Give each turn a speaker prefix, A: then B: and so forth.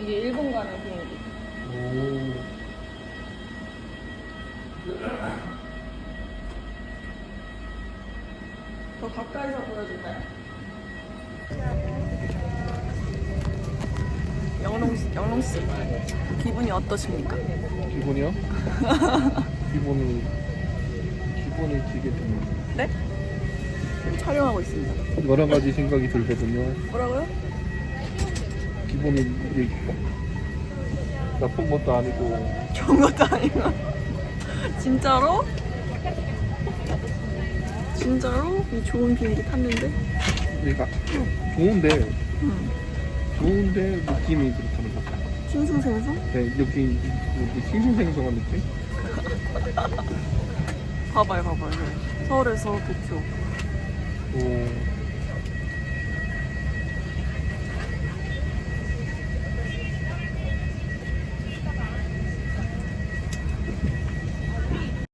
A: 이게 일본 가는 비행기.
B: 오.
A: 더 가까이서 보여줄까요? 영롱씨, 기분이 어떠십니까?
B: 기분이요? 기분이 되게 좀
A: 네? 촬영하고 있습니다.
B: 여러 가지 생각이 들거든요.
A: 뭐라고요?
B: 기분이 이게 나쁜 것도 아니고
A: 좋은 것도 아니고. 진짜로? 진짜로? 이 좋은 비행기 탔는데?
B: 내가 좋은데
A: 응.
B: 좋은데 느낌이 그렇다는 거죠.
A: 싱숭생숭?
B: 네, 여기 싱숭생숭한 느낌?
A: 봐봐요. 서울에서 도쿄.
B: 오.